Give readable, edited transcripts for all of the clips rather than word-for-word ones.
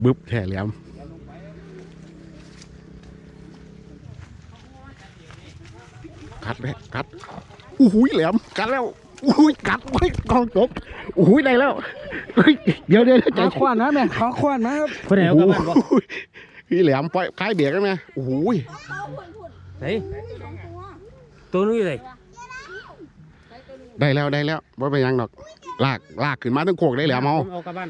บึ๊บแท่แหลมกัดเลยกัดอุ้ยแหลมกัดแล้วอุ้ยกัดไว้กองจบอุ้ยได้แล้วเดี๋ยวขอควันนะแม่ขอควันนะครับคนไหนเอากลับบ้านบ่พี่แหลมปล่อยคล้ายเบียกกันไหมโอ้ยไหนตัวนู้นเลยได้แล้วว่าไปยังดอกลากขึ้นมาตั้งโขกได้แหลมเอากลับบ้าน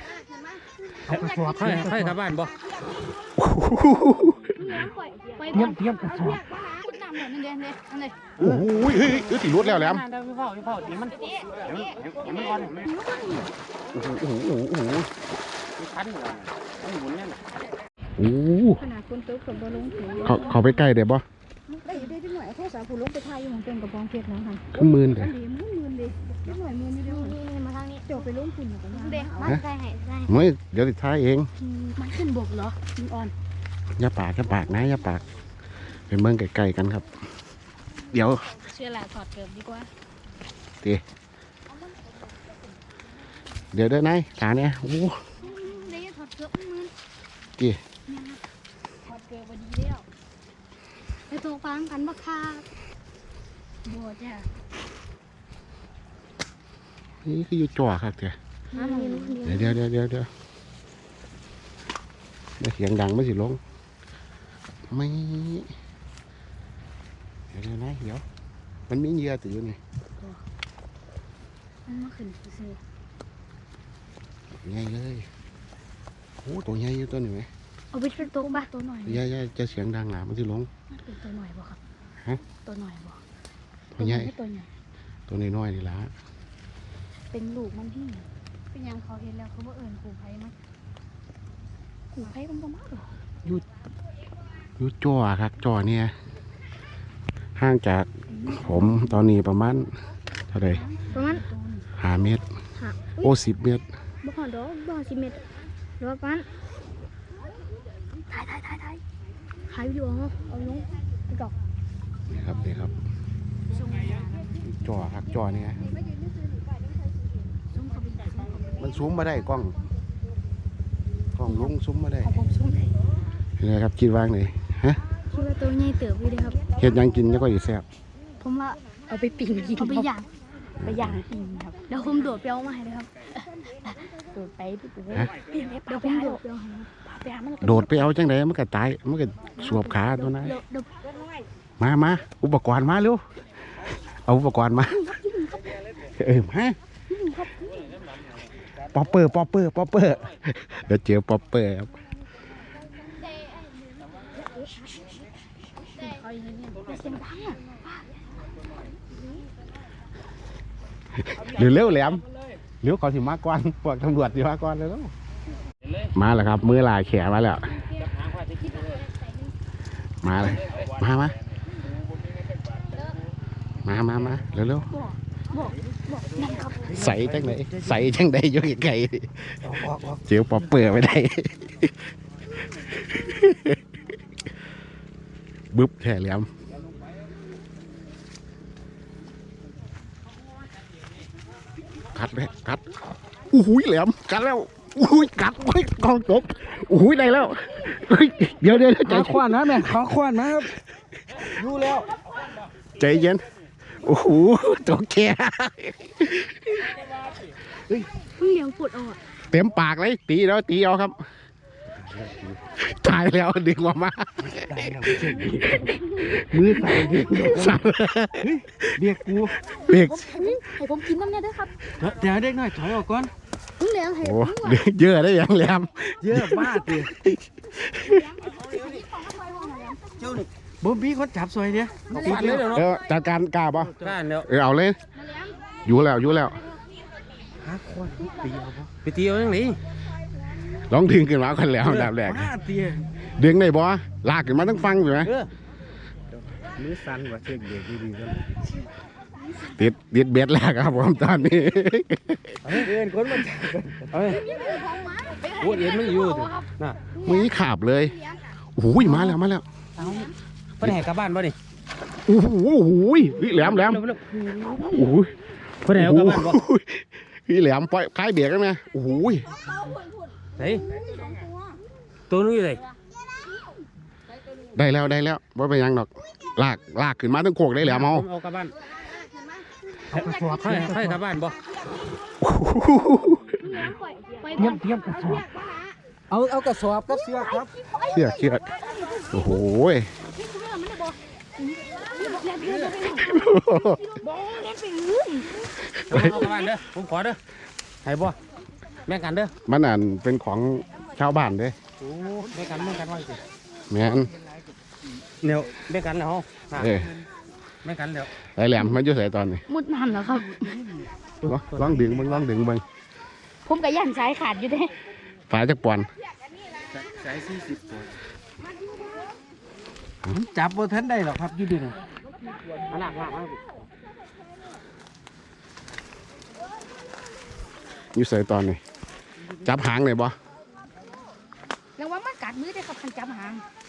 ให้กลับบ้านบ่เยี่ยมกระสอบโอ้ยติดรถแล้วแหลมพี่เผาดีมันอ่อนโอ้โหคันเลยหมุนเนี่ยโอ้ขนาดคนเติบกับบอลลงถึงเขาไปใกล้เดี๋ยวบ่ได้ที่หน่วยโทรศัพท์ผู้ลงไปไทยอยู่ของเป็นกับบองเพชรนะคะขึ้นมือเลยมือดิที่หน่วยมือนี่ด้วยนี่มาทางนี้เดี๋ยวไปลงฝุ่นกับเด็กบ้านใกล้ให้ไม่เดี๋ยวติดท้ายเองมันขึ้นบกเหรอมันอ่อนอย่าปากนะอย่าปากเป็นเมืองไกลๆกันครับเดี๋ยวเชื่อแหละถอดเกือบดีกว่าเดี๋ยวไหนขาเนี่ยโอ้ได้ถอดเกือบมือถอดเกือบดีแล้วไปตัวฟังกันบ้าค่ะบัวจ้ะนี่คืออยู่จ่อครับเดี๋ยวเสียงดังไม่สิลงไม่เดี๋ยวนะเดี๋ยวมันมีเหยื่อติดอยู่นี่มันมาขึ้นซื้อใหญ่เลยโอ้ตัวใหญ่อยู่ตัวนี้ไหมเอาไปเป็นตัวบ้าตัวหน่อยใหญ่จะเสียงดังหนามันสิลงมันเป็นตัวหน่อยบ่ครับฮะตัวหน่อยบ่ตัวใหญ่ตัวใหญ่ตัวน้อยนี่ละเป็นลูกมันที่เป็นยังเขาเห็นแล้วเขาว่าขู่ไผ่มั้ยขู่ไผ่มันบ่มากหรออยู่จ่อครับจ่อเนี่ยห่างจากผมตอนนี้ประมาณเท่าไหร่ประมาณ 5 เมตรโอ้10 เมตรบ่พอดอกบ่10 เมตรหรือว่าประมาณถ่ายวิดีโอเอาลงติ๊กต็อกนี่ครับจ่อครับจ่อเนี่ยมันซูมมาได้กล้องลุงซูมมาได้ยังไงครับกินวางเลยฮะคิดว่าตัวใหญ่เติบอยู่เลยครับเฮ็ดยังกินแล้วก็อยู่แซ่บผมว่าเอาไปปิ้งกินเอาไปย่างปิ้งครับเดี๋ยวผมโดดไปเอามาให้เลยครับโดดไปพี่ปู่เดี๋ยวผมโดดไปเอาโดดไปเอาจังไดมันก็ตายมันก็สวบขาตัวนั้นมาอุปกรณ์มาเร็วเอาอุปกรณ์มามาป๊อปเปอร์เดี๋ยวเจอป๊อปเปอร์ครับเร็วแหลมเร็วเขาสิมาก่อนพวกตำรวจสิมาก่อนเลยแล้วมาแล้วครับมือลายแขนมาแล้วมาเลยมาเร็วใส่จังไหนอยู่ไกลเจียวปอเปื่อยไม่ได้บึ๊บแท่แหลมกัดเลยกัดอุ้ยแหลมกัดแล้วอุ้ยกัดไว้กองจบอุ้ยได้แล้วเดี๋ยวขอควันนะแม่ขอควันนะครับรู้แล้วใจเย็นโอ้โหตัวแก่เลี้ยงปวดอ่ะเต็มปากเลยตีเอาครับตายแล้วดึงออกมามือใส่เบียกกูให้ผมกินน้ำเนี่ยด้วยครับเดี๋ยวเด็กหน่อยถอยออกก่อนเลี้ยงให้เยอะได้ยังแหลมเยอะมากเลยบ่มีคนจับซอยเนี่ยจัดการกล้าป่ะกล้าแล้วเอาเลยอยู่แล้วหาคนตีเอาป่ะไปตีเอาอย่างนี้ร้องดึงขึ้นมาคนแล้วดับแรกดึงได้บ่ลากขึ้นมาต้องฟังอยู่ไหมมือสั่นกว่าเช็คเด็กดีๆก็ติดเบ็ดแล้วครับผมตอนนี้เอ็นคนมันจับพูดเอ็นไม่อยู่น่ะมือขาบเลยโอ้ยมาแล้วไปไหนกลับบ้านบ่ดิโอ้โหแหลมโอ้ยไปไหนกลับบ้านบ่พี่แหลมปล่อยคล้ายเบียกกันไหมโอ้ยไหนตัวนู้นอยู่ไหนได้แล้วว่าเป็นหยังดอกลากขึ้นมาตั้งโคกได้แล้วเมาเอากลับบ้านให้กลับบ้านบ่เตรียมกระสอบเอากระสอบกับเสื้อครับเชือกโอ้โหเอากลับบ้านเด้อผมขอเด้อให้บ่แม่งกันเด้อมันอ่านเป็นของชาวบ้านเด้โอ้แม่งกันว่าสิแม่นเดี๋ยวแม่งกันแล้วเอ้ยแม่งกันแล้วไอ้แหลมมันอยู่ใส่ตอนนี้มุดน้ำเหรอครับลองดึงเบิ่งผมกับย่านสายขาดอยู่เด้ฝาจักปอนสาย40ตัวจับบ่ทันได้หรอกครับอยู่ดิน่ะลากอยู่ใส่ตอนนี้จับหางเลยบ่แล้วว่ามันกัดมือได้ครับคันจับหาง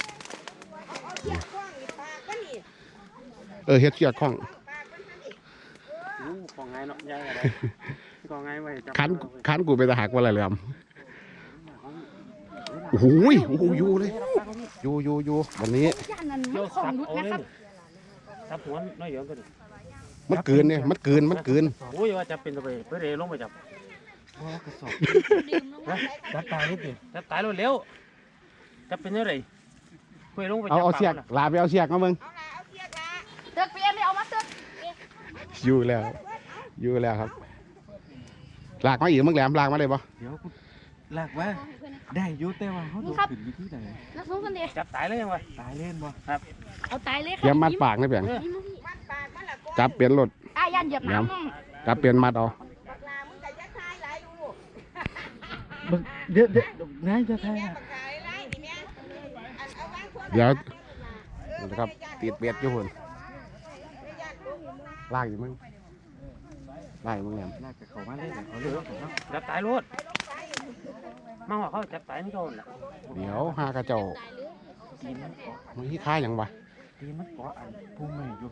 เฮ็ดเชือกข้องของไงเนาะยายอะไรของไงไว้จับคันกูไปตะหักว่าอะไรแหลมโอ้โหอยู่เลยอยู่วันนี้ย่านนั้นมันของรุดนะครับจับหัวน้อยเดียวก็ดิมันเกินเนี่ยมันเกินโอ้ยว่าจะเป็นตัวไปเพื่อเรลงไปจับกระสอบจับตายนิดนึงจะตายเร็วจะเป็นยังไงเพื่อลงไปจับเอาเชือกลาไปเอาเชือกมาเบิ่งเตือกเปลี่ยนเลยเอามาเตือกอยู่แล้วครับลากมาอีกมึงแหลมลากมาเลยบ่เดี๋ยวกูลากว่าได้อยู่แต่ว่าเขาโดนขึ้นวิธีไหนนักสู้กันดิจับตายเลยยังวะตายเล่นบ่เอาตายเลยคเตรียมมัดปากนะเพียงจับเปลี่ยนรถย่านเหยียบน้ำน้องจับเปลี่ยนมัดเอาเดี๋ยวนายจะทายอ่ะเดี๋ยวนะครับติดเบ็ดอยู่หุ่นลากอยู่มึงแหลมลากกับเขามาเล่นเขาเลือกเขาเนาะจับตายรถมาหัวเขาจับตายนี่โดนแหละเดี๋ยวหากระเจ้าตีนมันเกาะมันที่ค่ายอย่างวะตีนมันเกาะอันพุ่งไม่อยู่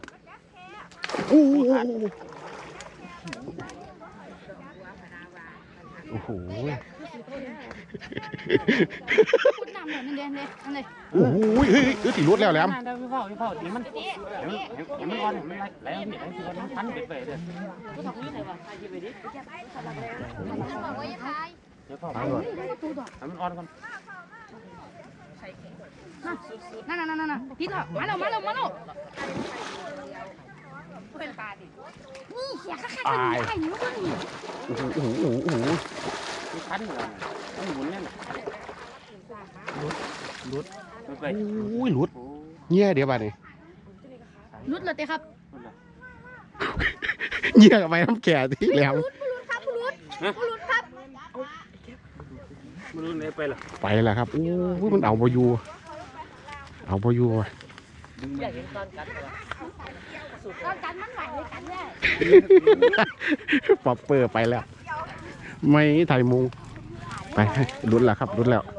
โอ้โหพูดน้ำเลยนั่นเลยนั่นเลยโอ้โหเฮ้ยตีรถแล้วแหลมเดี๋ยวพี่พ่อดีมันมันอ่อนมันไหลเอาที่ไหนคือมันพันเบ็ดไปเด้อเดี๋ยวพ่อตายรถมันอ่อนก่อนนั่นพี่ต่อมาแล้วเป็นปลาดินี่เสียข้าๆได้อยู่นี่โอ้โหมันพันเหรอมันหมุนเนี่ยลุดไปโอ้ยหลุดเงี้ยเดี๋ยวบ้านี่รุดเลยเต้ครับเงี้ยกับไปน้ำแก่ที่แหลมรุดครับมันรุดเลยไปหรอไปแล้วครับโอ้ยมันเอาพอยู่ว่ะตอนกันมันไหวเลยกันเลยปอบเปอร์ไปแล้ว ไม่ไทยมุงไปลุ้นแล้วครับลุ้นแล้ว